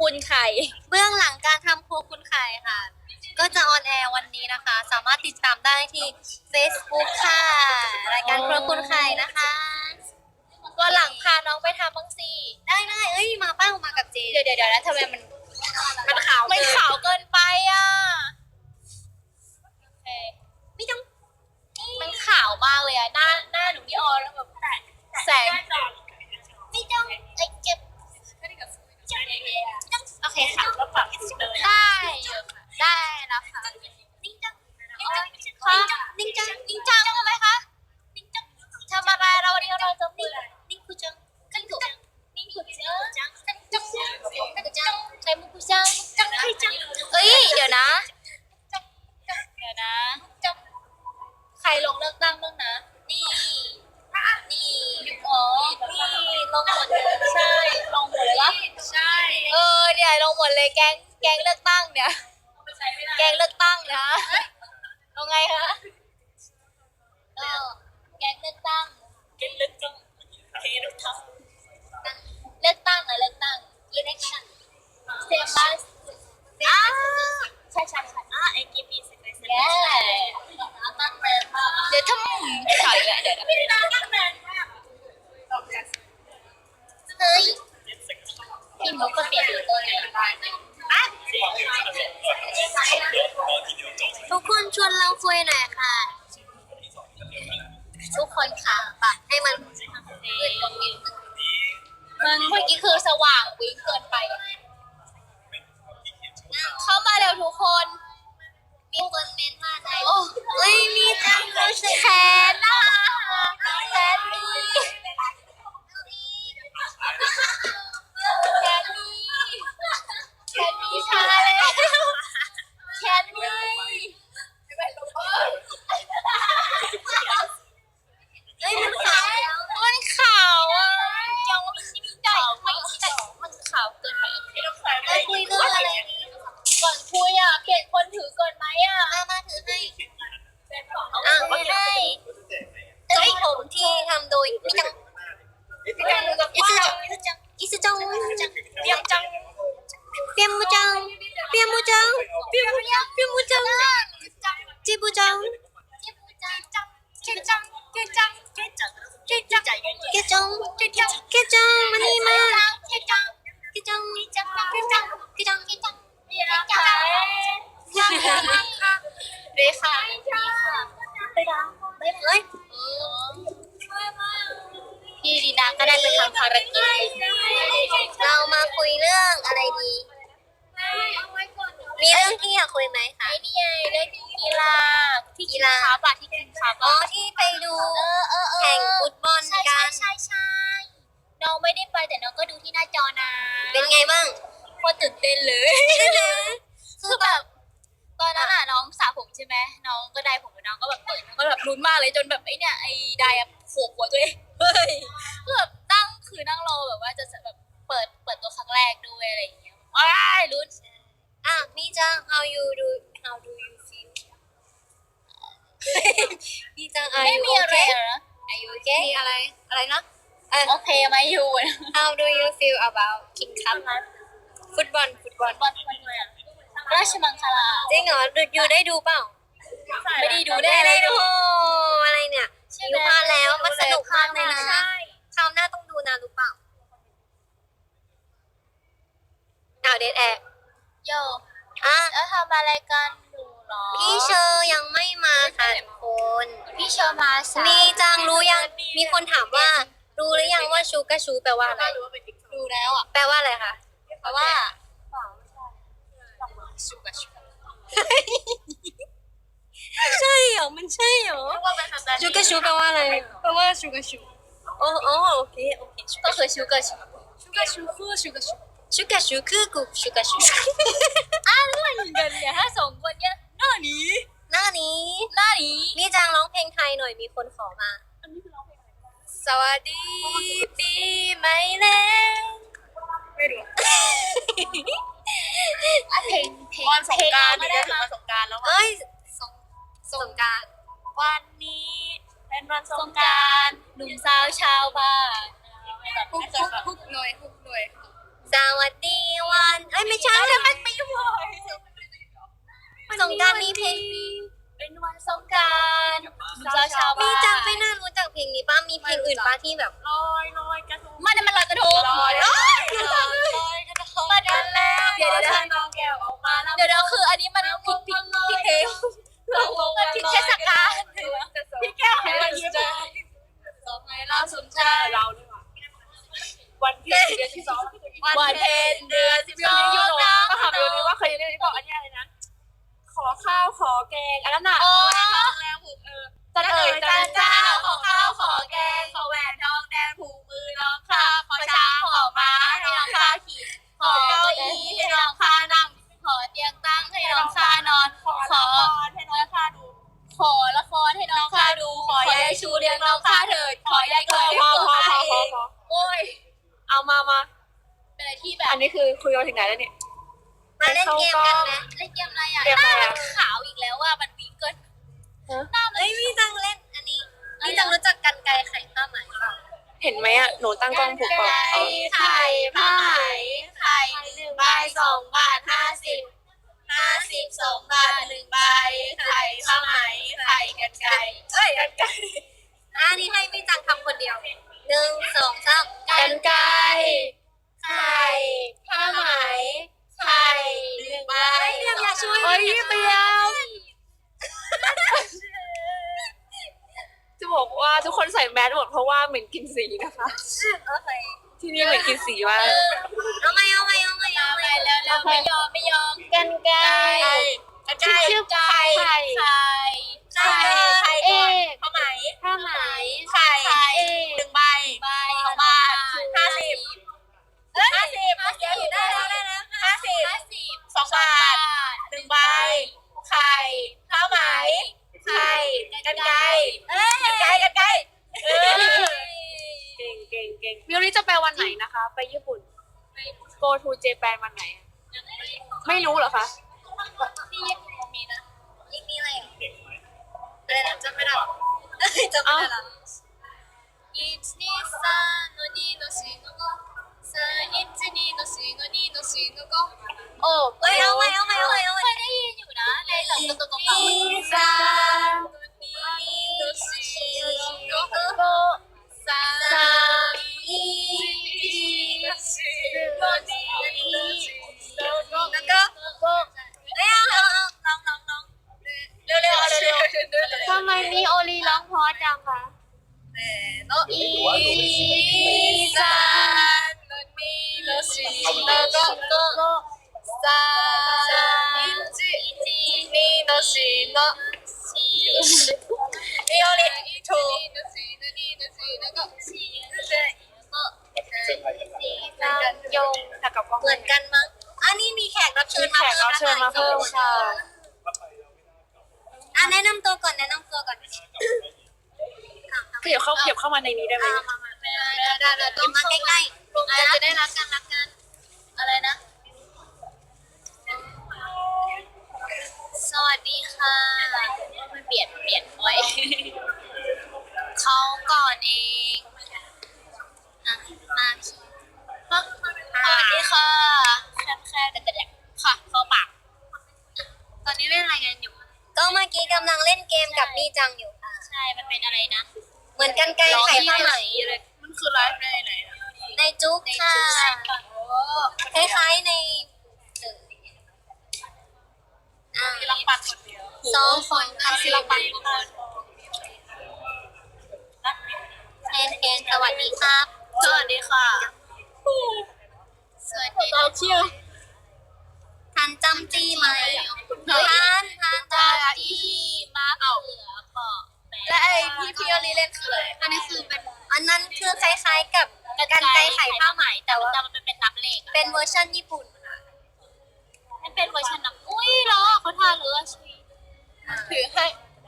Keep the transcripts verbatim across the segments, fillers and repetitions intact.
คุณไข่เบื้องหลังการทำครัวคุณไข่ค่ะ ก็จะออนแอร์วันนี้นะคะ สามารถติดตามได้ที่ Facebook ค่ะรายการครัวคุณไข่นะคะวันหลังพาน้องไปทำบ้างสิได้ได้เอ้ยมาเป้ามากับเจเดี๋ยวเดี๋ยวเดี๋ยวนะทำไมมันมันขาวมันขาวเกินไปอ่ะโอเคไม่ต้องมันขาวมากเลยอ่ะหน้าหน้าหนูนี่ออแล้วแบบแสงไม่ต้องไอ้เจ็บโอเคค่ะได้อยู่ค่ะได้แล้วค่ะนิ่งจังค่ะนิ่งจังจริงจังทำไมคะทำอะไรเราวันนี้เราจะพูดนิ่งคุจังกันกุจังนิ่งขุดเจอจังกันจังกันจังใช้มุกุจังจังให้จังเอ้ยเดี๋ยวนะเดี๋ยวนะใครลงเลือกตั้งบ้างนะนี่นี่อ๋อนี่ลงหมดเลยใช่ลงหมดเลยวะใช่เออเนี่ยลงหมดเลยแกงแกงเลือกตั้งเนี่ยแกงเลือกตั้งนะลงไงคะเออแกงเลือกตั้งแกงเลือกตั้งแกงเลือกตั้งเลือกตั้งอะเลือกตั้ง election เซบัสอ่าใช่ใช่ใช่อ่าไอกิมมี่เซบัสตั้งแมนมากเดี๋ยวทำข่าวอีกแล้วเดี๋ยวพี่น้องตั้งแมนมากเฮ้ยพี่มุกก็เปลี่ยนอยู่ตัวไหนบ้างอ่ะทุกคนชวนเราคุยหน่อยค่ะ ทุกคนค่ะปรับให้มันมืดตรงนี้มันเมื่อกี้คือสว่างวิ่งเกินไป เข้ามาเร็วทุกคนมีคนเมนมาในโอ้เฮ้ยมีจังรู้สึกแขนนะแขนมีแขนมีแขนมีชาแล้วแขนมีเฮ้ยมันขาวแล้วมันขาวอ่ะยังไม่มีได้ไม่ได้มันขาวเกินไปเราคุยเรื่องอะไรนี้ก่อนคุยอ่ะเปลี่ยนคนถือก่อนไหมอ่ะมามาถือให้อ่ะไม่ให้เฮ้ยผมที่ทำโดยมิจังอิสจังอิสจังอิสจังเปียกจังเปียมูจังเปียมูจังเปียมูจังเปียมูจังจิบูจังเก่งจังเก่งจังเก่งจังเก่งจังเก่งจังเกจังเกจังมานี่มาเก่งจังเกจังเก่งจังเก่งจังเกจังเกจังเก่งจังเรค่ะไปดังไปเลยพี่ดีนาก็ได้ไปทำภารกิจเรามาคุยเรื่องอะไรดี มีเรื่องที่อยากคุยไหมคะไอ้นี่ไงเล่นกีฬาที่กีฬาบาที่กินคาอ๋บาอที่ไปดูแข่งฟุตบอลใช่กัใช่นใช่ใช่น้องไม่ได้ไปแต่น้องก็ดูที่หน้าจอนะเป็นไงบ้างโคตรตื่นเต้นเลย คือแบบตอนนั้นอ่ะน้องสระผมใช่ไหมน้องก็ได้ผมน้องก็แบบเปิดน้องก็แบบลุ้นมากเลยจนแบบไอ้เนี่ยไอ้ได้อะโขกหัวตัวเองเฮ้ยคือแบบนั่งคือนั่งรอแบบว่าจะแบบเปิดเปิดตัวครั้งแรกด้วยอะไรอย่างเงี้ยว้ายลุ้นอ่ะมีจัง how you do how do you feel มีจัง are ไม่ you มีอะไร okay เหรอ are you okay มีอะไรอะไรนะเออโอเคไหมยูนะ how do you feel about King Cup ฟุตบอลฟุตบอลบอลมันเลยอะราชมังคลาจริงเหรอดูอยู่ได้ดูเปล่าไม่ได้ดูได้ไม่เลได้ยดูอะไรเนี่ยอยู่มาแล้วมันสนุกมากเลยนะใช่คราวหน้าต้องดูนะรู้เปล่าอ้าวเดทแอร์โยอ่ะแล้วทำอะไรกันอยู่หรอพี่เชอร์ยังไม่มาค่ะทุกคนพี่เชอร์มาสายมีจังรู้ยังมีคนถามว่ารู้หรือยังว่าชูกะชูแปลว่าอะไรดูแล้วอ่ะแปลว่าอะไรคะเพราะว่าใช่เหรอมันใช่เหรอชูกะชูแปลว่าอะไรแปลว่าชูกาชูโอ้โอ้โอเคโอเคก็คือชูกาชูชูกาชูคือชูกาชูชูกะชูคือกูชูกะชูอะไรกันเนี่ยถ้าสองคนเนี้ยหน้านี้หน้านี้หน้านี้มีจังร้องเพลงไทยหน่อยมีคนขอมา สวัสดีปีใหม่แล้วไม่รู้เพลงเพลงวันสงกรานต์ไม่นี่ได้ก็ถึงมาวันสงกรานต์แล้วอะเอ้ยสงสงกรารวันนี้เป็นวันสงกรานต์หนุ่มสาวชาวบ้านฮุกฮุกฮุกหน่อยฮุกหน่อยสวัสดีวันเอ้ยขอแกงอันนั้นน่ะโอ้ทองแดงผูกเออจันเอ๋ยจันเจ้าขอข้าวขอแกงขอแหวนทองแดงผูกมือน้องข้าขอช้างขอม้าให้น้องข้าขี่ขอเก้าอี้ให้น้องข้านั่งขอเตียงตั้งให้น้องข้านอนขอละครให้น้องข้าดูขอละครให้น้องข้าดู ขอยายชูเลี้ยงน้องข้าเถิด ขอยายพเกิอดพอพอข้าพอเอพอง พอโอ้ยเอามามาเป็นอะไรที่แบบอันนี้คือคุยกันถึงไหนแล้วเนี่ยมาเล่นเกมกันไหมเล่นเกมอะไรอ่ะเกมอะไรอะหน้ามันขาวอีกแล้วว่ามันวิ่งเกินหน้ามันเอ้ยพี่จังเล่นอันนี้พี่จังรู้จักกันไกรไข่ผ้าไหมเปล่าเห็นไหมอ่ะหนูตั้งกล้องผูกเปล่าเอาไข่ผ้าไหมไข่หนึ่งใบสองบาทห้าสิบห้าสิบสองบาทหนึ่งใบไข่ผ้าไหมไข่กันไก่เอ้ยกันไก่อันนี้ให้พี่จังทำคนเดียวหนึ่งสองสามกันไก่ไข่ผ้าไหมไข่หนึ่งใบเฮ้ยเรียมอย่าช่วยเฮ้ยเปียมจะบอกว่าทุกคนใส่แมสหมดเพราะว่าเหม็นกินสีนะคะโอเคที่นี่เหม็นกินสีมากเอาไหมเอาไหมเอาไหมเอาเอาไหไปมแล้วแล้วไม่ยอมไม่ยอมกันไก่กันไก่ชื่อไก่ไข่ไข่ไข่ไข่เอก่อนกผ้าไหมผ้าไหมไข่เอหนึ่งใบใบสองบาทห้าสิบห้าสิบห้าสิบได้แล้วได้แล้วห้าสิบห้าสิบสองบาทหนึ่งใบไข่ผ้าไหมไข่กันไก่กันไก่กันไก่เออเก่งเก่งเก่งมิวนี้จะไปวันไหนนะคะ ไปญี่ปุ่น go to Japan วันไหนอะไม่รู้เหรอคะที่ญี่ปุ่นมีนะอีกมีอะไรอ่ะอะไรนะจำไม่ได้จำไม่ได้ละ一二三の二の四の五三一二の四の二の四の五โอ้เอ้ยเอาไหมเอาไหมเอาไหมเอาไหมเคยได้ยินอยู่นะในหลังตัวตัวเก่าสามの四の五โก三一の四の二の四の五แล้วก็โกเอ้ยเอาเอาเอาลองลองลองเร็วเร็วเร็วเร็วทำไมมีโอลีร้องเพราะจังคะอีสานの二の四の五โก三一二の四の四ミオリと二の四の二の四の五四นางยงแต่กับกล้องเหมือนกันมั้งอันนี้มีแขกรับเชิมีญแขกรับเชิญมาเพิ่มค่ะอ่ะแนะนำตัวก่อนแนะนำตัวก่อนขยับเข้าขยับเข้ามาในนี้ได้ไหมอ่ะมามาได้ได้ได้ต้องมาใกล้ๆเราจะได้รักกันรักกันอะไรนะ สวัสดีค่ะมันเปลี่ยนเปลี่ยนบ่อยเขาก่อนเองอ่ะมาพี่สวัสดีค่ะแค่แค่แต่แต่ค่ะเข้าปาก ตอนนี้เล่นอะไรกันอยู่ก็เมื่อกี้กำลังเล่นเกมกับมี่จังอยู่ค่ะใช่ มันเป็นอะไรนะเหมือนกันไกลไข่ผ้าไหมเลยมันคือไลฟ์ในไหนนะในจุ๊กค่ะ คล้ายๆในอ่าที่รักปันคนเดียวสองคนค่ะที่รักปันคนเคนเคนสวัสดีครับสวัสดีค่ะ สวัสดีต่อคิวทันจำจี้ไหมทันทันจำจี้มาเขือเปาะและไอที่พี่อลีเล่นคืออะไรอันนี้คือเป็นอันนั้นคือคล้ายๆกับกันไกรไข่ผ้าไหมแต่ว่าแต่มันเป็นนับเลขเป็นเวอร์ชันญี่ปุ่นค่ะมันเป็นเวอร์ชันนับอุ้ยเหรอเขาทาเรือชีถือให้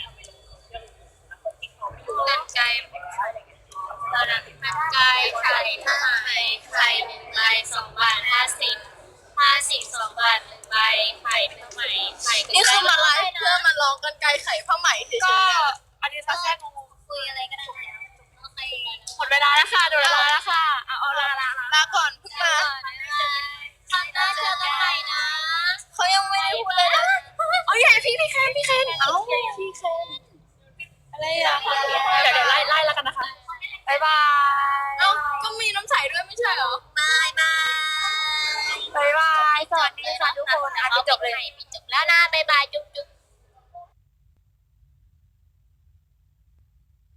กันไกเราดักกันไกไข่ผ้าไหมไข่หนึ่งใบสองบาทห้าสิบห้าสิบสองบาทหนึ่งใบไข่ผ้าไหมไข่นี่คือมาไลฟ์เพื่อมาลองกันไกลไข่ผ้าไหมเฉยก็อันนี้ซะแค่งงคุยอะไรก็ได้แล้วโอเคหมดเวลาแล้วค่ะหมดเวลาแล้วค่ะเอาเอาลาลาลาๆลาก่อนเพิ่งมาทำได้เจอกันใหม่นะเขายังไม่ได้พูดเลยนะเอาใหญ่พี่พี่เคนพี่เคนเอาพี่เคนอะไรอ่ะเดี๋ยวเดี๋ยวไล่ไล่แล้วกันนะคะบ๊ายบายเอ้าก็มีน้ำใสด้วยไม่ใช่เหรอบายบายบ๊ายบายสวัสดีค่ะทุกคนอาจจะจบเลยจบแล้วนะบ๊ายบายจุ๊บจุ๊บ